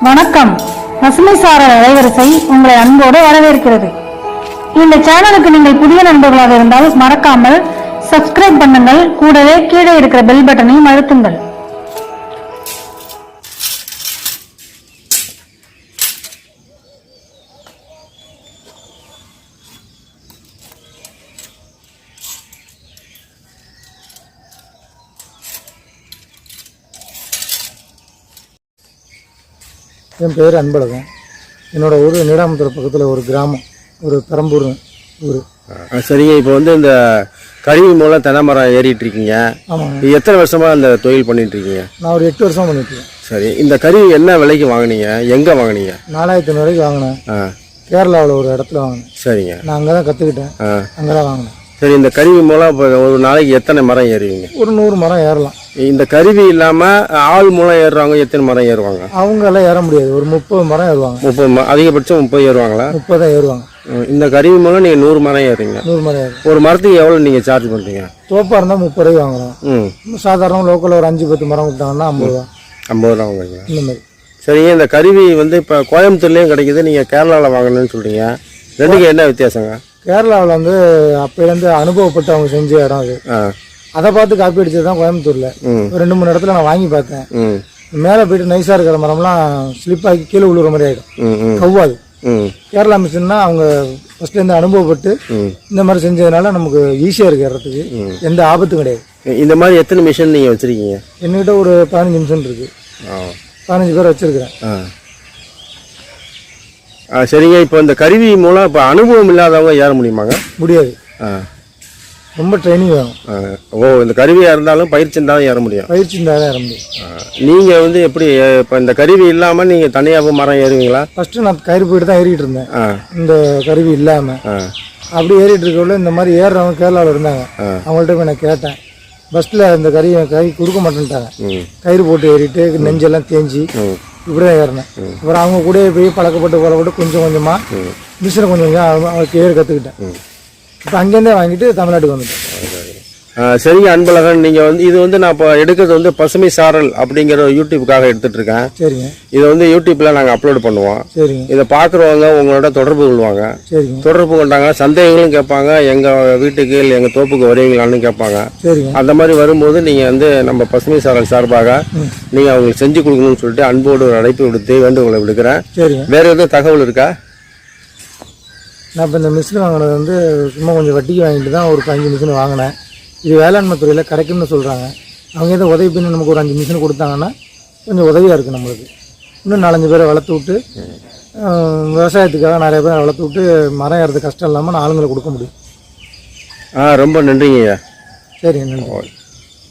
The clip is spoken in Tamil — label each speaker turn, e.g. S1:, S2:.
S1: வணக்கம். பசுமை சாரல் அலைவரிசை உங்களை அன்போடு வரவேற்கிறது. இந்த சேனலுக்கு நீங்கள் புதிய நண்பர்களாக இருந்தால் மறக்காமல் சப்ஸ்கிரைப் பண்ணுங்கள். கூடவே கீழே இருக்கிற பெல் பட்டனையும் அழுத்துங்கள்.
S2: என் பேர் அன்பழகன். என்னோடய ஊர் நீடாமதுரை பக்கத்தில் ஒரு கிராமம், ஒரு பெரம்பூர் ஊர்.
S3: சரிங்க. இப்போ வந்து இந்த கருவி மூலம் தென்னை மரம் ஏறிட்டு இருக்கீங்க.
S2: ஆமாங்க.
S3: எத்தனை வருஷமாக அந்த தொழில் பண்ணிட்டு இருக்கீங்க?
S2: நான் ஒரு 8 வருஷம் பண்ணிட்டுருக்கேன்.
S3: சரி, இந்த கருவி என்ன விலைக்கு வாங்கினீங்க? எங்கே வாங்கினீங்க?
S2: 4500 ரூபாய்க்கு வாங்கினேன். கேரளாவில் ஒரு இடத்துல வாங்கினேன்.
S3: சரிங்க.
S2: நான் அங்கே தான் கற்றுக்கிட்டேன், அங்கே தான் வாங்கினேன்.
S3: சரி, இந்த கருவி மூலம் இப்போ ஒரு நாளைக்கு எத்தனை மரம் ஏறுவீங்க?
S2: ஒரு 100 மரம் ஏறலாம்.
S3: இந்த கருவி இல்லாமல் ஆள் மூலம் ஏறுறவங்க எத்தனை மரம் ஏறுவாங்க?
S2: அவங்க எல்லாம் ஏற முடியாது. ஒரு 30 மரம் ஏறுவாங்க.
S3: 30 அதிகபட்சம் 30 ஏறுவாங்களா?
S2: 30 தான் ஏறுவாங்க.
S3: இந்த கருவி மூலம் நீங்கள் 100 மரம் ஏறுறீங்க.
S2: 100 மரம் ஏறும்.
S3: ஒரு மரத்துக்கு எவ்வளோ நீங்கள் சார்ஜ் பண்ணுறீங்க?
S2: தோப்பாக இருந்தால் 30 ரூபாய் வாங்குறோம். சாதாரண லோக்கலில் ஒரு 5-10 மரம் கொடுத்தாங்கன்னா 50 ரூபா. 50
S3: ரூபா வாங்குறீங்க.
S2: இந்த மாதிரி.
S3: சரிங்க. இந்த கருவி வந்து இப்போ கோயம்புத்தூர்லேயும் கிடைக்குது, நீங்கள் கேரளாவில் வாங்கணும்னு சொல்கிறீங்க. ரெண்டுக்கும் என்ன வித்தியாசங்க?
S2: கேரளாவில் வந்து அப்போலேருந்து அனுபவப்பட்டு அவங்க செஞ்ச இடம் அது. அதை பார்த்து காப்பி அடிச்சது தான் கோயம்புத்தூரில். ஒரு 2-3 இடத்துல நான் வாங்கி பார்த்தேன். மேலே போயிட்டு நைஸாக இருக்கிற மரம்லாம் ஸ்லிப் ஆகி கீழே விழுற மாதிரி ஆகிடும், கவ்வாது. கேரளா மிஷின்னா அவங்க ஃபர்ஸ்ட்லேருந்து அனுபவப்பட்டு இந்த மாதிரி செஞ்சதுனால நமக்கு ஈஸியாக இருக்கு ஏறதுக்கு, எந்த ஆபத்தும் கிடையாது.
S3: இந்த மாதிரி எத்தனை மிஷின் நீங்கள் வச்சுருக்கீங்க?
S2: என்கிட்ட ஒரு 15 மிஷின் இருக்கு. 15 பேர் வச்சுருக்கிறேன்.
S3: சரிங்க. இப்போ இந்த கருவி மூலம் இப்போ அனுபவம் இல்லாதவங்க ஏற முடியுமாங்க?
S2: முடியாது, ரொம்ப ட்ரைனிங் வேணும்.
S3: இந்த கருவியாக இருந்தாலும் பயிற்சி இருந்தாலும் ஏற முடியும்.
S2: பயிற்சி இருந்தாலும் ஏற முடியும்.
S3: நீங்கள் வந்து எப்படி இப்போ இந்த கருவி இல்லாமல் நீங்கள் தனியாக மரம் ஏறுவீங்களா?
S2: ஃபஸ்ட்டு நான் கயிறு போயிட்டு தான் ஏறிட்டு இருந்தேன், இந்த கருவி இல்லாமல். அப்படி ஏறிட்டு இருக்கக்குள்ள இந்த மாதிரி ஏறுறவங்க கேரளாவில் இருந்தாங்க. அவங்கள்ட்ட போய் நான் கேட்டேன். பஸ்ஸில் இந்த கை கொடுக்க மாட்டேன்ட்டாங்க. கயிறு போட்டு ஏறிட்டு நெஞ்செல்லாம் தேஞ்சி இப்படிதான் ஏறினேன். அப்புறம் அவங்க கூட போய் பழக்கப்பட்டு கொஞ்சம் கொஞ்சமாக மிஷினை கொஞ்சம் கொஞ்சம் ஏறு கற்றுக்கிட்டேன். இப்போ அங்கேருந்தே வாங்கிட்டு தமிழ்நாட்டுக்கு வந்துட்டேன்.
S3: சரிங்க அன்பழகன், நீங்கள் வந்து இது வந்து நான் இப்போ எடுக்கிறது வந்து பசுமை சாரல் அப்படிங்கிற யூடியூப்புக்காக எடுத்துகிட்டு இருக்கேன்.
S2: சரிங்க.
S3: இதை வந்து யூடியூப்பில் நாங்கள் அப்லோட் பண்ணுவோம்.
S2: சரிங்க.
S3: இதை பார்க்குறவங்க உங்களோட தொடர்பு கொள்வாங்க.
S2: சரிங்க.
S3: தொடர்பு கொண்டாங்க சந்தேகங்களும் கேட்பாங்க, எங்கள் வீட்டுக்கு இல்லை எங்கள் தோப்புக்கு வருவீங்களான்னு கேட்பாங்க.
S2: சரிங்க.
S3: அந்த மாதிரி வரும்போது நீங்கள் வந்து நம்ம பசுமை சாரல் சார்பாக நீங்கள் அவங்களுக்கு செஞ்சு கொடுக்கணும்னு சொல்லிட்டு அன்போடு ஒரு அழைப்பு விடுத்து வேண்டுகோளை விடுக்கிறேன்.
S2: சரிங்க.
S3: வேறு எதுவும் தகவல் இருக்கா?
S2: நான் இப்போ இந்த மிஷின் வாங்கினது வந்து சும்மா கொஞ்சம் வட்டிக்கு வாங்கிட்டு தான் ஒரு 5 மிஷின் வாங்கினேன். இது வேளாண்மை துறையில் கிடைக்கும்னு சொல்கிறாங்க. அவங்க எதாவது உதவி பண்ணி நமக்கு ஒரு 5 மிஷின் கொடுத்தாங்கன்னா கொஞ்சம் உதவியாக இருக்குது நம்மளுக்கு. இன்னும் 4-5 பேரை வளர்த்து விட்டு விவசாயத்துக்காக நிறைய பேரை வளர்த்து விட்டு மரம் ஏறது கஷ்டம் இல்லாமல் நான் ஆளுங்களை கொடுக்க முடியும்.
S3: ரொம்ப நன்றிங்க.
S2: சரிங்க, நன்றி.